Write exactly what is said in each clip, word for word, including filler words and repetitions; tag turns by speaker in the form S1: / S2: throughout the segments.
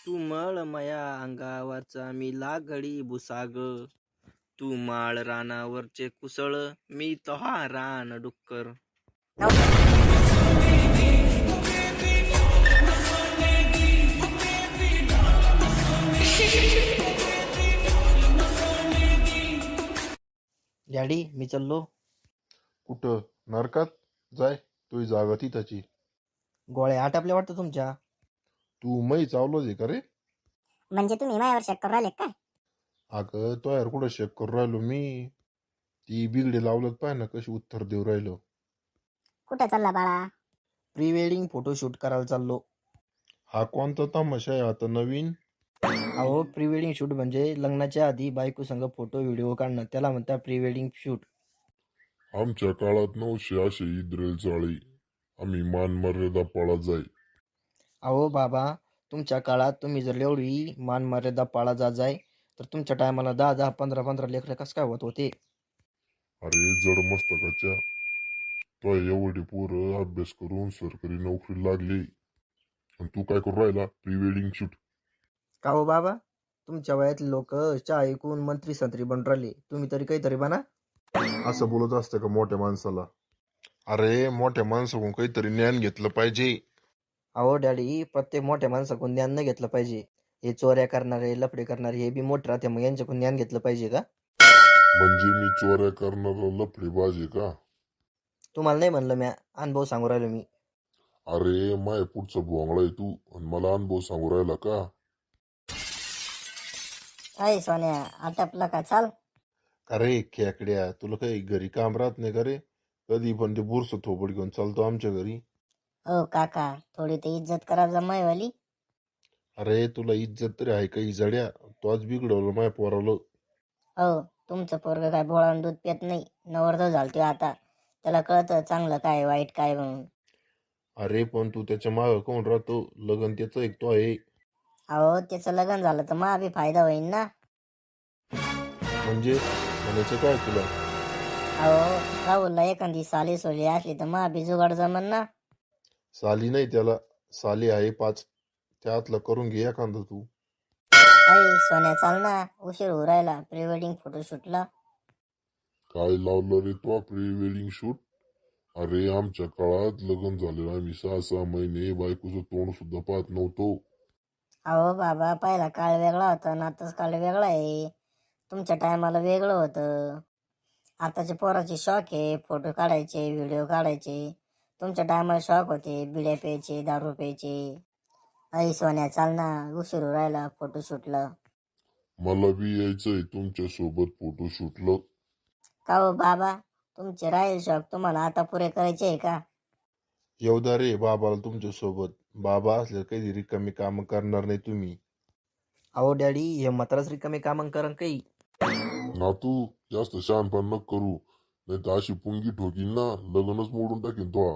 S1: तू मळ माया अंगावरचा मी लागडी भुसाग, तू माळ रानावरचे कुसळ, मी तहा रान डुक्कर. डॅडी मी चाललो.
S2: कुठं? नरकात जाय, तुझी जागा तिथाची.
S1: गोळ्या आटापल्या वाटतं तुमच्या.
S2: तू मै चावलो दे का रे?
S3: म्हणजे तुम्ही मायावर शक करू राहिले काय?
S2: अगं तो यार कुठं शेक करू राहिलो मी. ती बिगडे लावलत पाय ना कशी उत्तर देऊ राहिलो.
S3: कुठं चालला बाळा?
S1: प्री वेडिंग फोटोशूट करायला चाललो.
S2: हा कोणता तमाशा आहे आता नवीन?
S1: अहो प्री वेडिंग शूट म्हणजे लग्नाच्या आधी बायको संग फोटो व्हिडिओ काढणं, त्याला म्हणतात प्री वेडिंग शूट.
S4: आमच्या काळात नऊशे असे इद्रेल चाळी, आम्ही मान मर्यादा पाळा जाई.
S1: अहो बाबा, तुमच्या काळात तुम्ही जर एवढी मान मर्यादा पाळा जा जाय तर तुमच्या टायमाला दहा दहा पंधरा पंधरा लेकरं कसं काय होत होते?
S4: अरे जड मस्तकाच्या, तो एवढी पोरं अभ्यास करून सरकारी नोकरी लागली आणि तू काय करू राहिला? Pre wedding shoot.
S1: का हो बाबा, तुमच्या वयातले लोक चहा ऐकून मंत्री संत्री बनून राहिले, तुम्ही तरी काहीतरी बना.
S2: असं बोलत असतं का मोठ्या माणसाला? अरे मोठ्या माणसाकडून काहीतरी ज्ञान घेतलं पाहिजे.
S1: अहो डॅडी, प्रत्येक मोठ्या माणसाकडून ज्ञान न घेतलं पाहिजे. हे चोऱ्या करणारे लफडे करणारे हे बी मोठे राहते, मग यांच्याकडून ज्ञान घेतलं पाहिजे का?
S4: म्हणजे मी चोऱ्या करणारा लफडी बाजे का?
S1: तुम्हाला नाही म्हणलं, म्या अनुभव सांगू राहिलो मी.
S4: अरे माय पुढचा भोंगळा आहे तू आणि मला अनुभव सांगू राहिला का?
S3: अय सोन्या, आटपलं का? चाल.
S2: अरे खेकड्या, तुला काही घरी काम राहत नाही का रे? कधी पण ते बुरस थोबड घेऊन चालतो आमच्या घरी.
S3: हो काका, थोडी ते इज्जत करा जमायवाली.
S2: अरे तुला इज्जत तरी आहे काही जड्या, तो आज बिघडवलं माय पोराला.
S3: हो, तुमचं पोरग काय बोळान दूध पित नाही, नवरदेव झालतोय आता. त्याला कळतं चांगलं काय वाईट काय म्हणून.
S2: अरे पण तू त्याच्या मागं कोण राहतो? लगन त्याचं ऐकतो आहे.
S3: अहो त्याचं लग्न झालं तर मा बी फायदा होईल ना.
S2: म्हणजे म्हणायचं काय तुला?
S3: अहो राहुलला एखादी साली सोली असली तर मा बी जुगाड जमन ना.
S2: साली नाही त्याला, साली आहे पाच, त्यातलं करून घे एखादं तू.
S3: अय सोन्या चाल ना, उशीर होऊ राहिला प्री वेडिंग फोटोशूटला.
S4: काय लावलं रे तो प्री वेडिंग शूट? अरे आमच्या काळात लग्न झालेलं आम्ही सहा सहा महिने बायकोचं तोंड सुद्धा पाहत नव्हतो.
S3: अहो बाबा, पहिला काळ वेगळा होता ना आताच काळ वेगळा आहे. तुमच्या टायमाला वेगळं होतं. आताच्या पोराचे शॉक आहे फोटो काढायचे व्हिडिओ काढायचे. तुमच्या टायमाला शॉक होते बिड्या प्यायचे दारू प्यायचे. आई सोन्या चाल ना, उशीर होऊ राहिला फोटोशूटला.
S4: मला बी यायचंय तुमच्या सोबत फोटो शूटला.
S3: का हो बाबा, तुमचे राहील शॉक तुम्हाला आता पुरे करायचे आहे का?
S2: येऊदा रे बाबाला तुमच्या सोबत. बाबा असले काही रिकामी काम करणार नाही तुम्ही.
S1: अहो डॅडी, हे म्हाताराच रिकामे कामं करण काही.
S4: नातू जास्त शहाणपण नको करू, नाही तर अशी पुंगी ठोकीन ना, लग्नच मोडून टाकीन तो.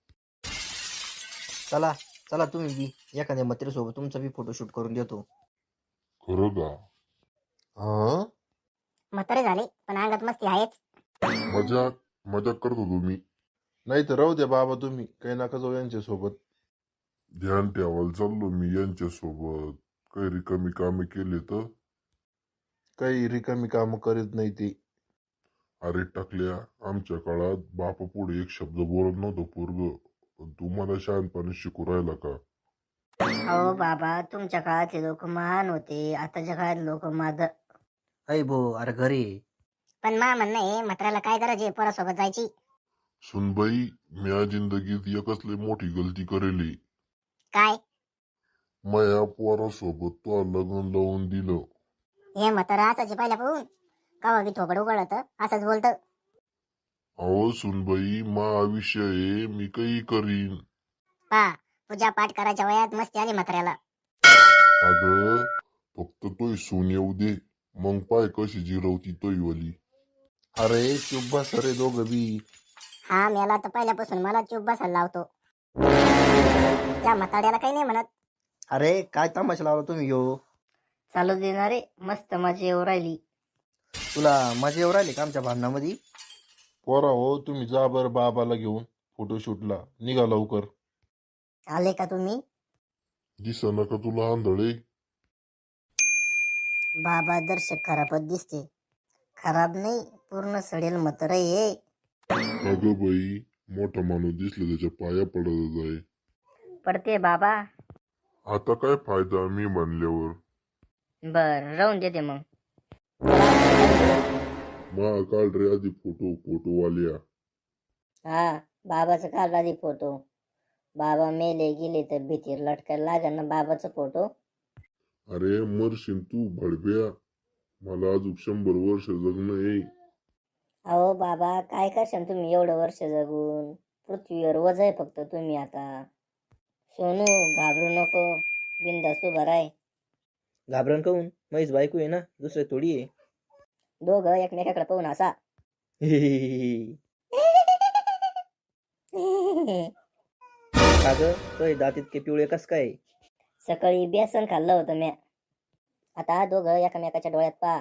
S1: चला चला, तुम्ही बी एखाद्या म्हातारीसोबत तुमचा बी फोटोशूट करून देतो.
S4: खरं का?
S2: हा
S3: म्हातारे झाले पण अंगात मस्ती आहेच.
S4: मजाक मजाक करतो तुम्ही.
S2: नाही तर राहू द्या बाबा, तुम्ही काही नका जाऊ यांच्या सोबत.
S4: ध्यान ठेवायला चाललो मी यांच्या सोबत. काही रिकामी कामे केले तर?
S2: काही रिकामी काम करीत नाही ती.
S4: अरे टाकल्या, आमच्या काळात बापा पुढे एक शब्द बोलत नव्हतं पोरग, पण तू मला शहाणपणे शिकू राहिला का?
S3: अहो बाबा, तुमच्या काळातले लोक महान होते, आताच्या काळात लोक माद.
S1: अय भो, अरे घरी ये.
S3: पण मा म्हणणं आहे म्हाताऱ्याला काय गरज आहे पोरासोबत जायची?
S4: सुनबाई, म्या जिंदगीत एकच लय मोठी गलती करेली.
S3: काय?
S4: माया पोरासोबत तो लग्न लावून दिलं.
S3: हे म्हातारा असायचे पहिल्या पाहून कवा बी थोबड उघडत असंच बोलत.
S4: अहो सुनबाई, मा आयुष्य आहे, मी काही करीन.
S3: पा पूजा पाठ करायच्या वयात मस्ती आली म्हाताऱ्याला.
S4: अगं फक्त तोय सून येऊ दे, मग पाय कशी जिरवती तोय वली.
S2: अरे चुप बस रे दोघं बी.
S3: हा मेला तर पहिल्यापासून मला चूप बसायला लावतो. त्या म्हाताड्याला काही नाही म्हणत.
S1: अरे काय तमाशा लावला तुम्ही यो?
S3: चालू देणारे मस्त मजा येऊ राहिली.
S1: तुला मजा येऊ राहिली का आमच्या भांडणामध्ये?
S2: पोरा हो, तुम्ही जा बरं बाबाला घेऊन फोटोशूटला. निघा लवकर.
S3: आले का तुम्ही?
S4: दिसना का तुला आंधळे?
S3: बाबा दर्शक खराबच दिसते. खराब नाही, पूर्ण सडेल मतर ये.
S4: अगं बाई, मोठा माणूस दिसला त्याच्या पाया पडत आहे.
S3: पडते बाबा.
S4: आता काय फायदा मी म्हणल्यावर.
S3: बर राहून देते मग.
S4: मा काढ रे आधी फोटो फोटो वाल्या.
S3: हा बाबाचं काढ आधी फोटो. बाबा मेले गेले तर भीतीर लटकायला लागेल ना बाबाचा फोटो.
S4: अरे मरशील तू भडब्या. मला अजून शंभर वर्ष जगणं आहे.
S3: अहो बाबा काय करशाल तुम्ही एवढं वर्ष जगून. पृथ्वीवर वज आहे फक्त तुम्ही आता. सोनू घाबरू नको, बिंदास उभा राय.
S1: घाबरण काऊन, मैस बायको आहे ना, दुसरे थोडी आहे.
S3: दोघं एकमेकाकडे पाहून असा.
S1: का ग तो दात इतके पिवळे कस काय?
S3: सकाळी बेसन खाल्लं होतं म्या. आता दोघं एकमेकाच्या डोळ्यात पा.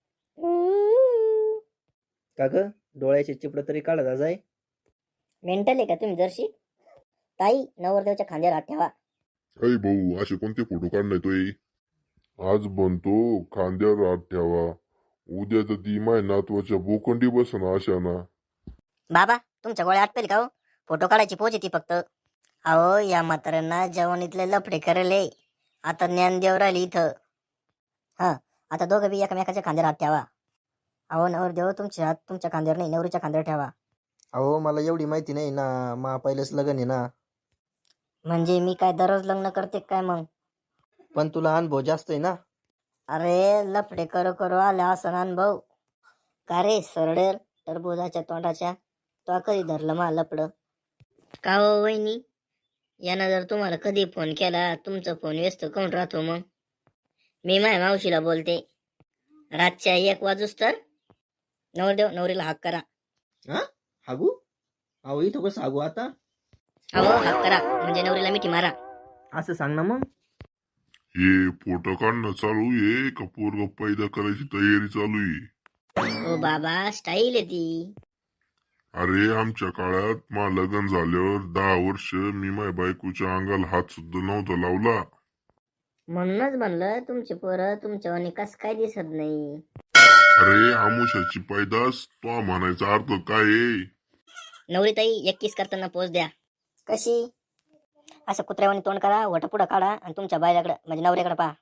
S1: का ग डोळ्याचे चिपड तरी काढा जाय.
S3: मेंटल आहे का तुम्ही जरशी? ताई नवरदेवच्या खांद्यावर हात ठेवा.
S4: अय भाऊ, असे कोणते फोटो काढणार तोय? आज बनतो खांद्यावर हात ठेवा, उद्या तर ती माय नातवाच्या बोकंडी बसन अशा ना.
S3: बाबा तुमच्या गोळ्या आटपेल का हो? फोटो काढायची पोच येते फक्त. अहो या म्हाताऱ्यांना जवानीतले लफडे करेले. आता ज्ञानदेव राहिली इथं. हा आता दोघं बी एकमेकाच्या खांद्यावर हात ठेवा. अहो नवरदेव तुमच्या हात तुमच्या खांद्यावर नाही, नवरीच्या खांद्यावर ठेवा.
S1: अहो मला एवढी माहिती नाही ना, मा पहिलेच लग्न आहे ना.
S3: म्हणजे मी काय दररोज लग्न करते काय मग?
S1: पण तुला अनुभव जास्त आहे ना.
S3: अरे लफडे करो करो आला असा अनुभव. का रे सरडेल टरबुजाच्या तोंडाच्या, तो कधी धरलं मा लपड? का हो वहिनी, यानं जर तुम्हाला कधी फोन केला तुमचा फोन व्यस्त कोण राहतो मग? मी माझ्या मावशीला बोलते. रातच्या एक वाजूस तर नवरदेव नवरीला हाक करा.
S1: हा हागू? अहो इथं कसं हागू आता?
S3: अहो हाक करा म्हणजे नवरीला मिठी मारा.
S1: असं सांग ना मग.
S4: हे फोटो काढणं चालू आहे का पोरग पैदा करायची तयारी चालू आहे?
S3: ओ बाबा स्टाईल आहे ती.
S4: अरे आमच्या काळात मा लग्न झाल्यावर दहा वर्ष मी माझ्या बायकोच्या अंगाला हात सुद्धा नव्हता लावला.
S3: म्हणूनच म्हणलं तुमची पोरं तुमच्या कस काय दिसत नाही.
S4: अरे आमुषाची पैदास तो म्हणायचा अर्थ काय आहे?
S3: नवरी ताई एक किस करताना पोच द्या. कशी? असं कुत्र्यावानी तोंड करा, वट पुढं काढा आणि तुमच्या बायलाकडे म्हणजे नवऱ्याकडे पहा.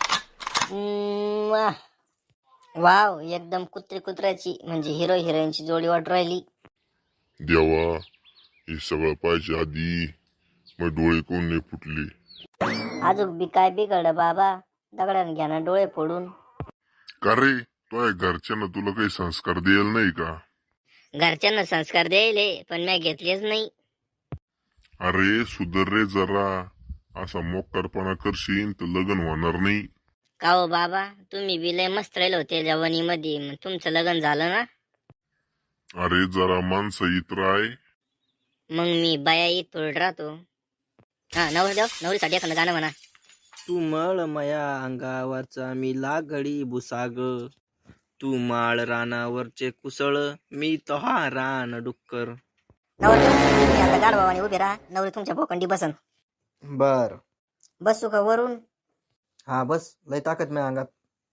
S3: वाव एकदम कुत्री कुत्र्याची म्हणजे हिरो हिरोईनची जोडी वाट राहिली.
S4: देवा, हे सगळं पाहिजे आधी मग डोळे कोण नाही फुटले.
S3: अजून बी काय बिघड बाबा, दगडाने घ्या ना डोळे फोडून.
S4: का रे तो घरच्यांना तुला काही संस्कार द्यायला नाही का?
S3: घरच्यांना संस्कार द्यायले पण मी घेतलेच नाही.
S4: अरे सुधर रे जरा, असा मोकारपणा करशील तर लग्न होणार नाही.
S3: का हो बाबा, तुम्ही बी लय मस्त राहिले होते जवानीमध्ये, मग तुमचं लग्न झालं ना?
S4: अरे जरा माणसं इतर आहे.
S3: मग मी बाया ईद पडत राहतो. हा नवरदेव नवरीसाठी एखादं गाणं म्हणा.
S1: तू मळ मया अंगावरचा मी लागडी भुसाग, तू माळ रानावरचे कुसळ मी तहा रान डुक्कर.
S3: नवरदेव तुम्ही आता गाढवाने उभे राहा, नवरी तुमच्या भोकंडी बसन.
S1: बर
S3: बसू का वरून?
S1: हा बस, लय ताकद मी अंगात.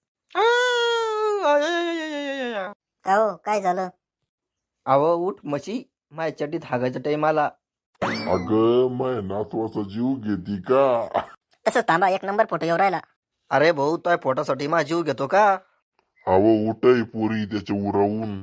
S3: का हो काय झालं?
S1: अव उठ म्हशी, माझ्या चड्डीत हागायचा टाइम आला.
S4: अगं माय नातवाचा जीव घेती का?
S3: तसंच थांबा, एक नंबर फोटो येऊ राहिला.
S1: अरे भाऊ तो फोटोसाठी माझा जीव घेतो का?
S4: हवं उठय पोरी त्याच्या उरावून.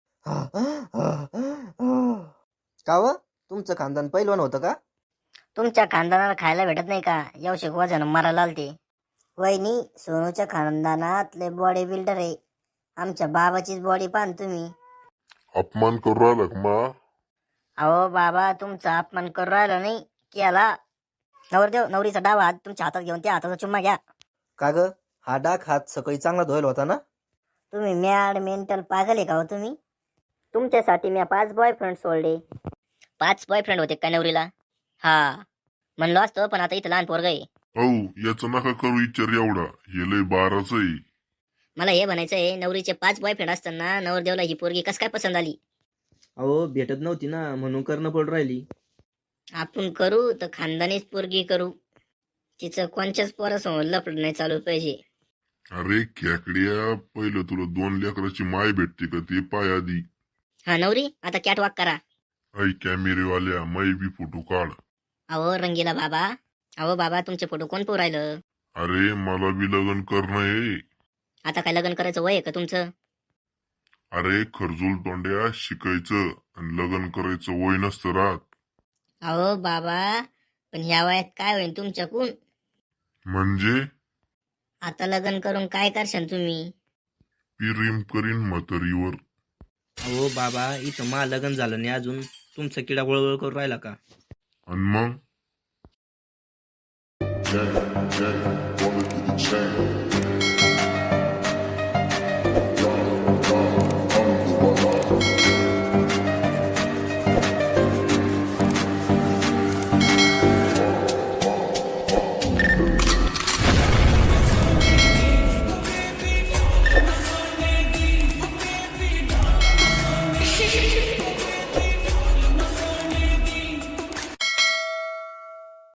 S1: का व तुमचं खानदान पहिलवान होतं का?
S3: तुमच्या खानदानाला खायला भेटत नाही का? येऊ वजन मारायला आलते. वहिनी सोनूच्या खानदानात लय बॉडी बिल्डर आहे. आमच्या बाबाचीच बॉडी पाहन तुम्ही.
S4: अपमान करू राहिला का मा?
S3: अहो बाबा तुमचा अपमान करू राहिला नाही केला. नवरदेव नवरीचा डावा हात तुमच्या हातात घेऊन त्या हाताचा चुम्मा घ्या.
S1: का ग हा डाक हात सकाळी चांगला धुवायला होता ना?
S3: तुम्ही मॅड मेंटल पागल आहे का हो तुम्ही? तुमच्यासाठी मी पाच बॉयफ्रेंड सोडले. पाच बॉयफ्रेंड होते का नवरीला? हा म्हणलो असतो, पण आता इथं लहान पोरग आहे.
S4: औ याचा नका करू विचार एवढा, हे लय बाराच आहे.
S3: मला हे म्हणायचं आहे, नवरीचे पाच बॉयफ्रेंड असताना नवरदेवला ही पोरगी कस काय पसंत आली?
S1: अहो भेटत नव्हती ना, म्हणून करणं पड राहिली.
S3: आपण करू तर खानदानीच पोरगी करू. तिचं कोणच्याच पोरासमोर लफड नाही चालू पाहिजे.
S4: अरे खेकड्या, पहिलं तुला दोन लेकराची माय भेटते का ते पाय आधी.
S3: हा नवरी आता कॅट वॉक करा.
S4: ऐ कॅमेरेवाल्या, मै बी फोटो काढ.
S3: अहो रंगीला बाबा, अहो बाबा तुमचे फोटो कोण पोर राहिलं?
S4: अरे मला बी लग्न करणं आहे.
S3: आता काय लग्न करायचं वय आहे का तुमचं?
S4: अरे खरजूल तोंड्या, शिकायचं आणि लग्न करायचं वय नसतं राहत.
S3: अहो बाबा पण ह्या वयात काय होईल तुमच्याकून?
S4: म्हणजे
S3: आता लग्न करून काय करशाल तुम्ही?
S4: पिरीम करीन म्हातारीवर.
S1: अहो बाबा इथं मा लग्न झालं नाही अजून, तुमचा किडा वळवळ करून राहिला का?
S4: आणि मग